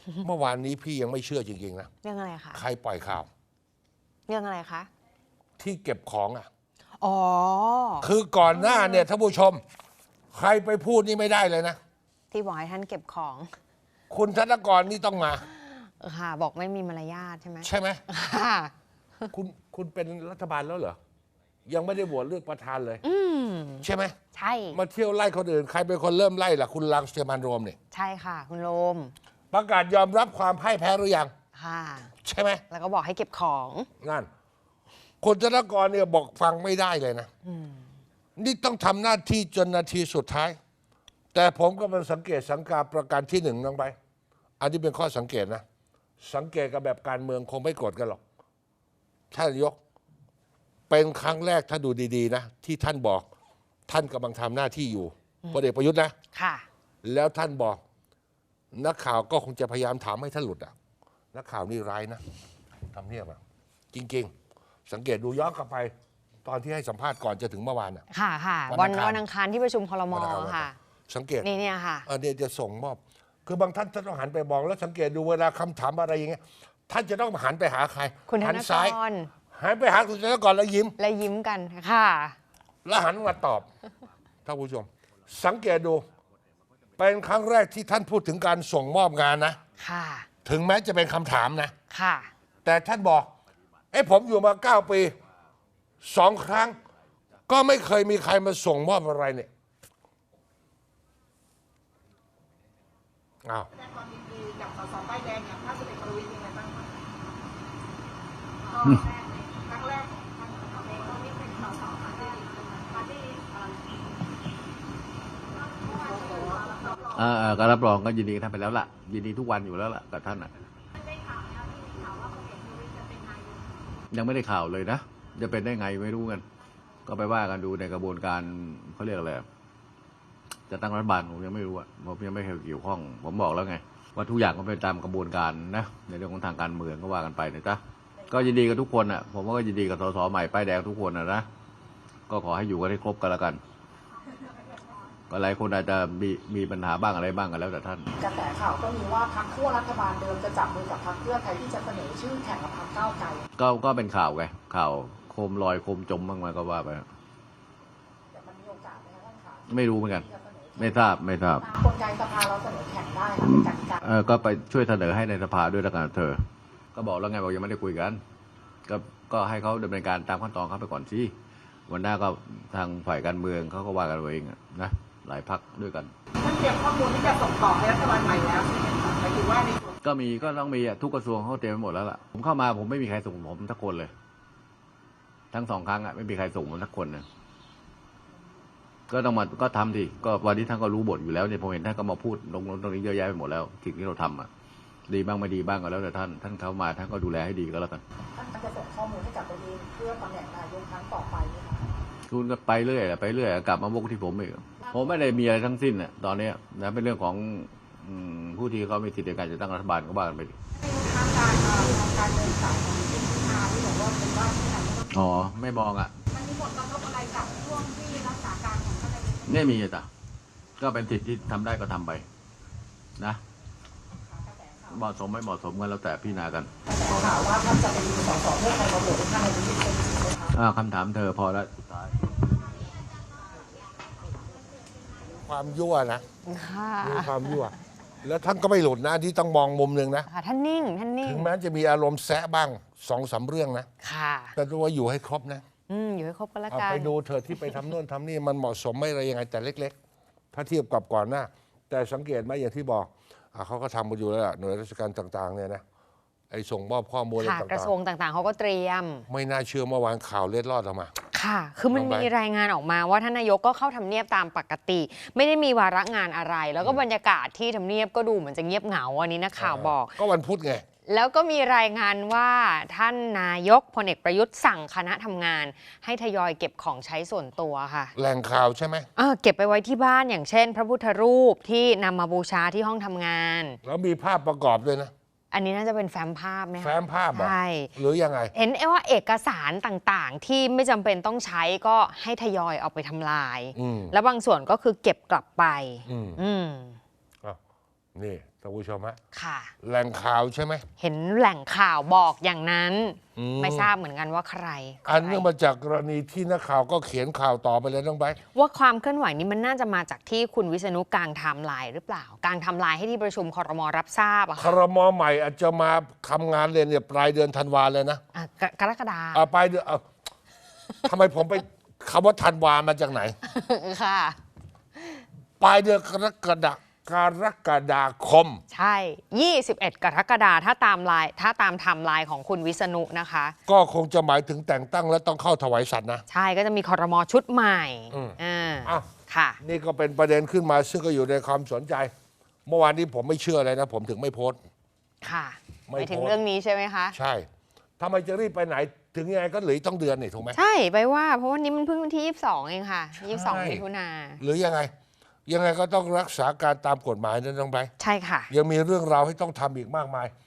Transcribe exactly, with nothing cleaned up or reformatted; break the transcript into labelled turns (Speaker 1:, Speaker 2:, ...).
Speaker 1: เมื่อวานนี้พี่ยังไม่เชื่อจริงๆนะ
Speaker 2: เรื่องอะไรคะ
Speaker 1: ใครปล่อยข่าว
Speaker 2: เรื่องอะไรคะ
Speaker 1: ที่เก็บของอ่ะ
Speaker 2: อ๋อ
Speaker 1: คือก่อนหน้าเนี่ยท่านผู้ชมใครไปพูดนี่ไม่ได้เลยนะ
Speaker 2: ที่บอกให้ท่านเก็บของ
Speaker 1: คุณธนกรนี่ต้องมา
Speaker 2: ค่ะบอกไม่มีมารยาทใช่ไหม
Speaker 1: ใช่ไหม
Speaker 2: ค่ะ
Speaker 1: คุณคุณเป็นรัฐบาลแล้วเหรอยังไม่ได้โหวตเลือกประธานเลย
Speaker 2: อืม
Speaker 1: ใช่ไหม
Speaker 2: ใช่
Speaker 1: มาเที่ยวไล่คนอื่นใครเป็นคนเริ่มไล่ล่ะคุณรังสเตียมันโรมเนี่ย
Speaker 2: ใช่ค่ะคุณโรม
Speaker 1: ประกาศยอมรับความพ่ายแพ้หรือยัง
Speaker 2: ค่ะ
Speaker 1: ใช่ไหม
Speaker 2: แล้วก็บอกให้เก็บของ
Speaker 1: นั่นคุณธนกรเนี่ยบอกฟังไม่ได้เลยนะนี่ต้องทำหน้าที่จนนาทีสุดท้ายแต่ผมก็มันสังเกตสังกาประการที่หนึ่งลงไปอันนี้เป็นข้อสังเกตนะสังเกตกับแบบการเมืองคงไม่โกรธกันหรอกท่านนายกเป็นครั้งแรกถ้าดูดีๆนะที่ท่านบอกท่านกำลังทำหน้าที่อยู่พลเอกประยุทธ์นะ
Speaker 2: ค่ะ
Speaker 1: แล้วท่านบอกนักข่าวก็คงจะพยายามถามให้ท่านหลุดอ่ะนักข่าวนี่ร้ายนะทำเนียบอ่ะจริงๆสังเกตดูย้อนกลับไปตอนที่ให้สัมภาษณ์ก่อนจะถึงเมื่อวานอ่ะ
Speaker 2: ค่ะค่ะวันวันอังคารที่ประชุมครม.ค่ะ
Speaker 1: สังเกต
Speaker 2: นี่เนี่ยค่ะ
Speaker 1: เออเนี่ยจะส่งมอบคือบางท่านจะต้องหันไปมองแล้วสังเกตดูเวลาคำถามอะไรอย่างเงี้ยท่านจะต้องหันไปหาใคร
Speaker 2: คุณธนกร
Speaker 1: หันไปหาคุณธนกรแล้วยิ้ม
Speaker 2: แล้วยิ้มกันค่ะ
Speaker 1: แล้วหันมาตอบท่านผู้ชมสังเกตดูเป็นครั้งแรกที่ท่านพูดถึงการส่งมอบงานนะ
Speaker 2: ค่ะ
Speaker 1: ถึงแม้จะเป็นคำถามนะ
Speaker 2: ค่ะ
Speaker 1: แต่ท่านบอกไอ้ผมอยู่มาเก้าปีสองครั้งก็ไม่เคยมีใครมาส่งมอบอะไรเนี่ยอ้าว
Speaker 3: แสดงความยินดีกับสสป้ายแดงอย่างท่านพลเอกประวิตรยังไงบ้างคะครั้งแรกครั้งแรกของเองก็ไม่เป็นสสปาร์ตี้ปาร์ตี้
Speaker 4: อ่าการรับรองก็ยินดีกับท่านไปแล้วล่ะยินดีทุกวันอยู่แล้วล่ะกับท่านอ่ะยังไม่ได้ข่าวเลยนะจะเป็นได้ไงไม่รู้กันก็ไปว่ากันดูในกระบวนการเขาเรียกอะไรจะตั้งรัฐบาลผมยังไม่รู้อ่ะผมยังไม่เคยเกี่ยวข้องผมบอกแล้วไงว่าทุกอย่างก็เป็นตามกระบวนการนะในเรื่องของทางการเมืองก็ว่ากันไปนะจ๊ะก็ยินดีกับทุกคนอ่ะผมก็ยินดีกับสสใหม่ป้ายแดงทุกคนนะนะก็ขอให้อยู่กันให้ครบกันแล้วกันก็หลายคนอาจจะมีมีปัญหาบ้างอะไรบ้างกันแล้วแต่ท่าน
Speaker 3: กระแสข่าวก็มีว่าพรรคขั้วรัฐบาลเดิมจะจับมือกับพรรคเพื่อไทยที่จะเสนอชื่อแข่งกับพรรคก้าวไกล
Speaker 4: ก็ก็เป็นข่าวไงข่าวโคมลอยโคมจมบ้างไหมก็ว่าไป
Speaker 3: แต่มันมีโอกาสไหมคะท่านคะ
Speaker 4: ไม่รู้เหมือนกันไม่ทราบไม่ทราบ
Speaker 3: กลไกสภาเราเสนอแข่งได้ค่ะเป็นกติกา
Speaker 4: เออก็ไปช่วยเสนอให้ในสภาด้วยแล้วกันเธอก็บอกแล้วไงบอกยังไม่ได้คุยกันก็ก็ให้เขาดำเนินการตามขั้นตอนเขาไปก่อนสิวันหน้าก็ทางฝ่ายการเมืองเขาก็ว่ากันเองนะหลายพรรคด้วยกัน
Speaker 3: ท่านเตรียมข้อมูลที่จะส่งต่อให้รัฐบาลใหม่แล้วใช่ไหมคะหมายถึงว่าใน
Speaker 4: ก็มีก็ต้องมีทุกกระทรวงเขาเตรียมไปหมดแล้วล่ะผมเข้ามาผมไม่มีใครส่งผมทักคนเลยทั้งสองครั้งอ่ะไม่มีใครส่งผมทักคนนะก็ต้องมาก็ทำดิก็วันนี้ท่านก็รู้บทอยู่แล้วเนี่ยผมเห็นท่านก็มาพูดลงตรงนี้เยอะแยะไปหมดแล้วสิ่งที่เราทำอ่ะดีบ้างไม่ดีบ้างก็แล้วแต่ท่านท่านเข้ามาท่านก็ดูแลให้ดีก็แล้วกัน
Speaker 3: ท่านจะส่งข้อมูลให้กับตัวเองเพื่อตำแหน่งนายกครั้งต่อไปไหมคะ
Speaker 4: คุณก็ไปเรื่อยไปเรื่อยกลับมาวกที่ผมอีกผมไม่ได้มีอะไรทั้งสิ้นน่ะตอนนี้นะเป็นเรื่องของผู้ที่เขามีสิทธิ์ในการจะตั้งรัฐบาลก็ว่ากันไปดิ
Speaker 3: ทางการการเดินสายของคุณพิธาที่บอกว่าเป็นว่าที่ไหน
Speaker 4: อ๋อไม่มองอ่ะ
Speaker 3: มันมีผลกระทบอะไรกับช่วงที่รักษาการของท่านนายก
Speaker 4: ไม่มีจ้ะก็เป็นสิทธิ์ที่ทำได้ก็ทำไปนะเหมาะสมไม่เหมาะสมกันแล้วแต่พี่นากัน
Speaker 3: ข่าวว่าท่านจะเป็นสสเพื่อใครมาโหวตท่านนายกเป็นจริงไหม
Speaker 4: คะคำถามเธอพอแล้วสุดท้าย
Speaker 1: ความยั่วนะมีความยั่วแล้วท่านก็ไม่หลุดนะที่ต้องมองมุมหนึ่งนะ
Speaker 2: ท่านนิ่งท่านนิ่ง
Speaker 1: ถึงแม้จะมีอารมณ์แซะบ้างสองสามเรื่องนะ
Speaker 2: ค่ะ
Speaker 1: แต่ตัวอยู่ให้ครบนะ
Speaker 2: อืมอยู่ให้ครบก็แล้วกัน
Speaker 1: ไปดูเธอที่ไปทำโน่นทำนี่มันเหมาะสมไม่อะไรยังไงแต่เล็กๆถ้าเทียบกับก่อนหน้าแต่สังเกตไหมอย่างที่บอกเขาก็ทำมาอยู่แล้วหน่วยราชการต่างๆเนี่ยนะไอ้ส่งมอบข้อมูลอะไรต่างๆ
Speaker 2: กระทรวงต่างๆเขาก็เตรียม
Speaker 1: ไม่น่าเชื่อเมื่อวานข่าวเล็ดลอดออกมา
Speaker 2: ค่ะคือมันมีรายงานออกมาว่าท่านนายกก็เข้าทำเนียบตามปกติไม่ได้มีวาระงานอะไรแล้วก็บรรยากาศที่ทำเนียบก็ดูเหมือนจะเงียบเหงาอันนี้นักข่าวบอก
Speaker 1: ก็วันพุธไง
Speaker 2: แล้วก็มีรายงานว่าท่านนายกพลเอกประยุทธ์สั่งคณะทำงานให้ทยอยเก็บของใช้ส่วนตัวค่ะ
Speaker 1: แหล่งข่าวใช่ไหม
Speaker 2: เออเก็บไปไว้ที่บ้านอย่างเช่น พระพุทธรูปที่นำมาบูชาที่ห้องทำงาน
Speaker 1: แล้วมีภาพประกอบด้วยนะ
Speaker 2: อันนี้น่าจะเป็นแฟ้มภาพไหมคะ
Speaker 1: แฟ้มภาพ
Speaker 2: ใช่
Speaker 1: หรือยังไง
Speaker 2: เห็นว่าเอกสารต่างๆที่ไม่จำเป็นต้องใช้ก็ให้ทยอยเอาไปทำลายแล้วบางส่วนก็คือเก็บกลับไป
Speaker 1: อืม
Speaker 2: อืม
Speaker 1: นี่ท่านผู้ชมฮะ
Speaker 2: ค่ะ
Speaker 1: แหล่งข่าวใช่ไหม
Speaker 2: เห็นแหล่งข่าวบอกอย่างนั้น
Speaker 1: อืม
Speaker 2: ไม่ทราบเหมือนกันว่าใคร
Speaker 1: อัน
Speaker 2: ใคร
Speaker 1: เนื่องมาจากกรณีที่นักข่าวก็เขียนข่าวต่อไปเลยน้องไบร์ท
Speaker 2: ว่าความเคลื่อนไหวนี้มันน่าจะมาจากที่คุณวิษณุกางไทม์ไลน์หรือเปล่ากางไทม์ไลน์ให้ที่ประชุมครมรับทราบอะ
Speaker 1: ค
Speaker 2: ค่ะ
Speaker 1: รมใหม่อาจจะมาทำงานเลยเนี่ยปลายเดือนธันวาเลยนะ
Speaker 2: อ่ะกกรกฎา
Speaker 1: อ่าปลายเดือนเอาทำไมผมไปคำว่าธันวามาจากไหน
Speaker 2: ค่ะ
Speaker 1: ปลายเดือนกรกฎากรกฎาคม
Speaker 2: ใช่ ยี่สิบเอ็ด กรกฎาถ้าตามไลน์ถ้าตามไทม์ไลน์ของคุณวิษณุนะคะ
Speaker 1: ก็คงจะหมายถึงแต่งตั้งและต้องเข้าถวายสัตย์นะ
Speaker 2: ใช่ก็จะมีครมชุดใหม่
Speaker 1: อืม
Speaker 2: อ่า
Speaker 1: อ้าว
Speaker 2: ค่ะ
Speaker 1: นี่ก็เป็นประเด็นขึ้นมาซึ่งก็อยู่ในความสนใจ เมื่อวานนี้ผมไม่เชื่อเลยนะ ผมถึงไม่โพสต์
Speaker 2: ค่ะ
Speaker 1: ไม่
Speaker 2: ไปถึง
Speaker 1: โพสต์
Speaker 2: เรื่องนี้ใช่ไหมคะ
Speaker 1: ใช่ทำไมจะรีบไปไหน ถึงยังไงก็เหลืออกต้องเดือนนี่ถูกไหม
Speaker 2: ใช่ไปว่าเพราะวันนี้มันเพิ่งวันที่ยี่สิบสองเองค่ะยี่สิบสอง
Speaker 1: ใช่
Speaker 2: มิถุนา
Speaker 1: หรือยังไง ยังไงก็ต้องรักษาการตามกฎหมายนะน้องไบร์ท
Speaker 2: ใช่ค่ะ
Speaker 1: ยังมีเรื่องราวให้ต้องทำอีกมากมาย